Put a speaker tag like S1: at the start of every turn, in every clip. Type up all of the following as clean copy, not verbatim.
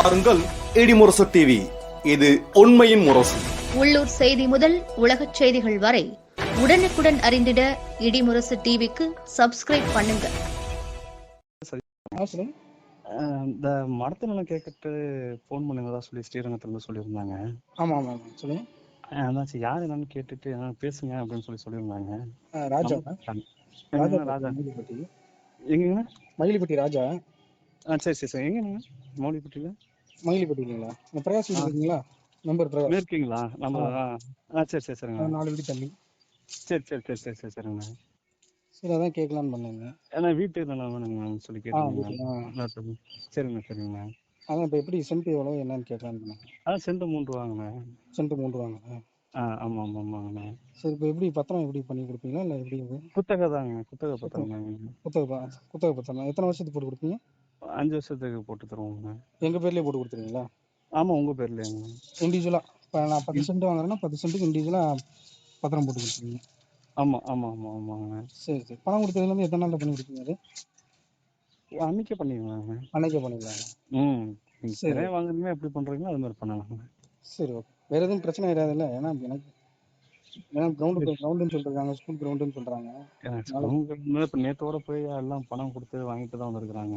S1: பாருங்கள் இடிமுரசு டிவி. இது உண்மையின் முரசு.
S2: உள்ளூர் செய்தி முதல் உலகச் செய்திகள் வரை உடனுக்குடன் அறிந்திட இடிமுரசு டிவிக்கு சப்ஸ்கிரைப் பண்ணுங்க.
S3: இந்த மடத்தினம் கேட்கட்டு போன் பண்ணுங்கதா சொல்லி ஸ்ரீரங்கத்துல இருந்து சொல்லியிருந்தாங்க.
S4: ஆமா ஆமா ஆமா சொல்லுங்க.
S3: அதாச்சு யார் என்னன்னு கேட்டுட்டு பேசுங்க அப்படின்னு சொல்லியிருந்தாங்க.
S4: ராஜா
S3: ராஜா
S4: மயிலிப்பட்டி.
S3: எங்க?
S4: மயிலிப்பட்டி ராஜா.
S3: சரி சரி சரி. எங்க மௌலிப்பட்டியில?
S4: மயிலிப்பட்டி இல்லைங்களா? பிரகாஷ் இருக்கீங்களா? நம்பர் பிரகாஷ்
S3: இருக்கீங்களா? நம்ம சரி சரி சரிங்க. 4
S4: வீடு தள்ளி.
S3: சரி சரி சரி சரி சரி சரிங்க.
S4: சரி அதான் கேட்கலான்னு பண்ணேங்க.
S3: ஏன்னா வீட்டுக்கு தானே வேணுங்க சொல்லி கேட்டீங்க. சரிங்க சரிங்க.
S4: அதான் இப்போ எப்படி சென்ட் எவ்வளோ என்னன்னு கேட்கலான்னு பண்ணேன்.
S3: சென்ட் 3 வாங்கண்ணே.
S4: சென்ட் 3 வாங்க.
S3: ஆமா ஆமா ஆமாங்கண்ணே.
S4: சரி இப்போ எப்படி பத்திரம் எப்படி பண்ணி கொடுப்பீங்களா இல்லை எப்படி?
S3: குத்தகை தாங்க. குத்தகை பத்திரம்.
S4: குத்தகை பத்திரம் எத்தனை வருஷத்துக்கு போட்டு கொடுப்பீங்க?
S3: 5 வருஷத்துக்கு போட்டு தருவோங்க.
S4: எங்க பேர்லயே போட்டு கொடுத்துருவீங்களா?
S3: ஆமா உங்க பேர்லங்க.
S4: இண்டிவிஜுவலா இப்போ நான் 10 சென்ட் வாங்குறேன்னா 10 சென்ட்டுக்கு இண்டிவிஜுவலா பத்திரம் போட்டு கொடுத்துருவீங்க?
S3: ஆமா ஆமா ஆமா ஆமாங்க.
S4: சரி சரி. பணம் கொடுத்ததுலேருந்து எத்தனை நாளில் பண்ணி கொடுப்பீங்க? அது
S3: அன்னைக்கே பண்ணிடலாங்க.
S4: அன்னைக்கே பண்ணிடலாங்க.
S3: சரி வாங்குறீங்க எப்படி பண்றீங்களோ அது மாதிரி பண்ணலாங்க.
S4: சரி ஓகே. வேற எதுவும் பிரச்சனை வராதுல்ல? ஏன்னா கிரவுண்டுன்னு சொல்றாங்க, ஸ்கூல் கிரவுண்டுன்னு சொல்றாங்க.
S3: இப்போ நேத்தோட போய் எல்லாம் பணம் கொடுத்து வாங்கிட்டு தான் வந்திருக்கிறாங்க.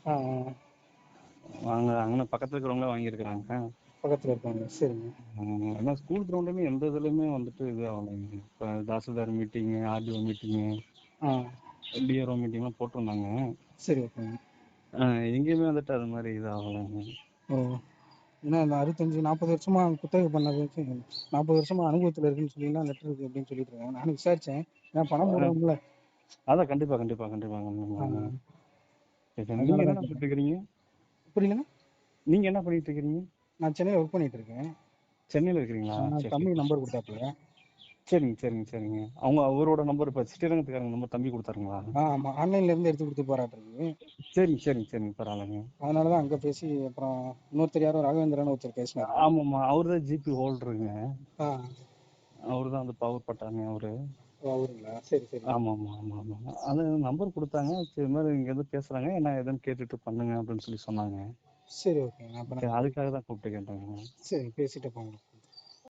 S3: அங்கே பக்கத்துல இருக்கிறவங்க வாங்கியிருக்கிறாங்க.
S4: பக்கத்துல இருக்காங்க. சரிங்க.
S3: ஏன்னா ஸ்கூல் கிரவுண்டுமே எந்த இதுலையுமே வந்துட்டு இது ஆகலைங்க. இப்போ tahsildar meeting, RTO meeting, DRO மீட்டிங்லாம் போட்டிருந்தாங்க.
S4: சரி ஓகேங்க.
S3: எங்கேயுமே வந்துட்டு அது மாதிரி இது ஆகலைங்க.
S4: ஏன்னா இந்த 65-40 வருஷமா குத்தகை பண்ணது 40 வருஷமா அனுபவத்தில் இருக்குன்னு சொல்லிலாம் லெட்டர் இருக்கு அப்படின்னு சொல்லிட்டு இருக்காங்க. நானும் விசாரிச்சேன். ஏன்னா பணம் போடுவோம்ல.
S3: அதான் கண்டிப்பா கண்டிப்பா கண்டிப்பாங்க. நீங்க என்ன பண்ணிட்டு இருக்கிறீங்க?
S4: புரியலங்க.
S3: நீங்க என்ன பண்ணிட்டு இருக்கிறீங்க?
S4: நான் சென்னையில் ஒர்க் பண்ணிட்டு இருக்கேன்.
S3: சென்னையில் இருக்கிறீங்களா?
S4: தம்பி நம்பர் கொடுத்தாப்புல.
S3: சரிங்க சரிங்க சரிங்க. அவரோட நம்பர் இப்போ ஸ்ரீரங்கத்துக்காரங்க நம்பர் தம்பி கொடுத்தாருங்களா?
S4: ஆமா ஆன்லைன்ல இருந்து எடுத்து கொடுத்து போராட்டிருக்கு.
S3: சரிங்க சரிங்க சரிங்க பரவாயில்லைங்க.
S4: அதனாலதான் அங்க பேசி அப்புறம் இன்னொருத்தர் யாரோ ராகவேந்திரன் ஒருத்தர் பேசினாரு.
S3: ஆமாம்மா அவரு தான் ஜிபி ஹோல்டருங்க. அவரு தான் அந்த பவர் பட்டாங்க அவரு.
S4: அவருங்களா? சரி சரி.
S3: ஆமா ஆமா ஆமா ஆமா. அது நம்பர் கொடுத்தாங்க. சரி மாதிரி இங்க எதுவும் பேசுறாங்க என்ன எதுன்னு கேட்டுட்டு பண்ணுங்க அப்படின்னு சொல்லி சொன்னாங்க.
S4: சரி ஓகே.
S3: அதுக்காக தான் கூப்பிட்டு கேட்டாங்க.
S4: சரி பேசிட்டு போங்க.